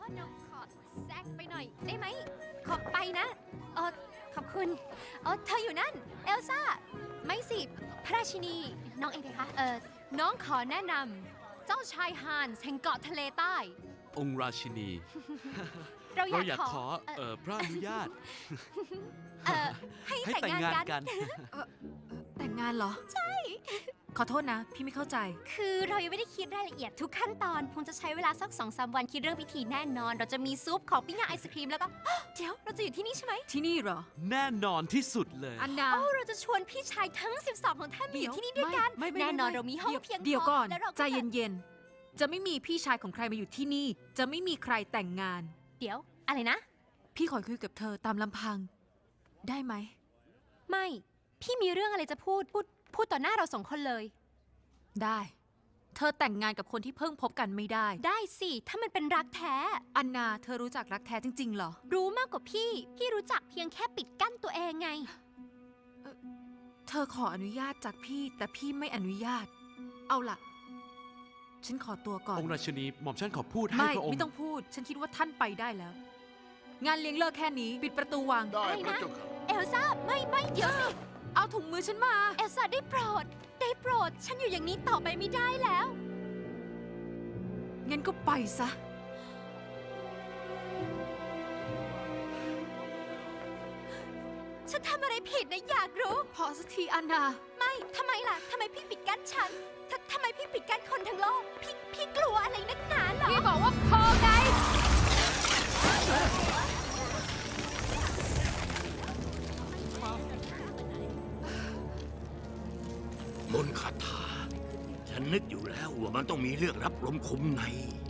ษนะขอแซกไปหน่อยได้ไหมขอไปนะขอบคุณเธออยู่นั่นเอลซ่าไม่สิพระราชินีน้องเองเลยคะน้องขอแนะนำเจ้าชายฮานแห่งเกาะทะเลใต้องค์ราชินีเราอยากขอพระอนุญาตให้แต่งงานกันแต่งงานเหรอใช่ขอโทษนะพี่ไม่เข้าใจคือเรายังไม่ได้คิดรายละเอียดทุกขั้นตอนคงจะใช้เวลาสัก 2-3 วันคิดเรื่องพิธีแน่นอนเราจะมีซุปของปิ้งย่างไอศครีมแล้วก็เดี๋ยวเราจะอยู่ที่นี่ใช่ไหมที่นี่เหรอแน่นอนที่สุดเลยอันนาเราจะชวนพี่ชายทั้ง12ของท่านมาอยู่ที่นี่ด้วยกันแน่นอนเรามีห้องเพียงพอเดี๋ยวก่อนใจเย็นๆจะไม่มีพี่ชายของใครมาอยู่ที่นี่จะไม่มีใครแต่งงานเดี๋ยวอะไรนะพี่ขอคุยกับเธอตามลำพังได้ไหมไม่พี่มีเรื่องอะไรจะพูดต่อหน้าเรา2 คนเลยได้เธอแต่งงานกับคนที่เพิ่งพบกันไม่ได้ได้สิถ้ามันเป็นรักแท้อันนาเธอรู้จักรักแท้จริงๆเหรอรู้มากกว่าพี่รู้จักเพียงแค่ปิดกั้นตัวเองไงเธอขออนุญาตจากพี่แต่พี่ไม่อนุญาตเอาล่ะฉันขอตัวก่อนองค์ราชินีหม่อมฉันขอพูดให้พระองค์ไม่ต้องพูดฉันคิดว่าท่านไปได้แล้วงานเลี้ยงเลิกแค่นี้ปิดประตูวางได้พระเจ้าค่ะเอลซ่าไม่เดี๋ยวสิเอาถุงมือฉันมาเอลซ่าได้โปรดฉันอยู่อย่างนี้ต่อไปไม่ได้แล้วงั้นก็ไปซะฉันทำอะไรผิดนะอยากรู้พอสักทีอันนาไม่ทำไมล่ะทำไมพี่ปิดกั้นฉันทำไมพี่ปิดกั้นคนทั้งโลกพี่กลัวอะไรนักหนาเหรอพี่บอกว่าพอไงมนต์คาถาฉันนึกอยู่แล้วว่ามันต้องมีเรื่องรับลมคมใน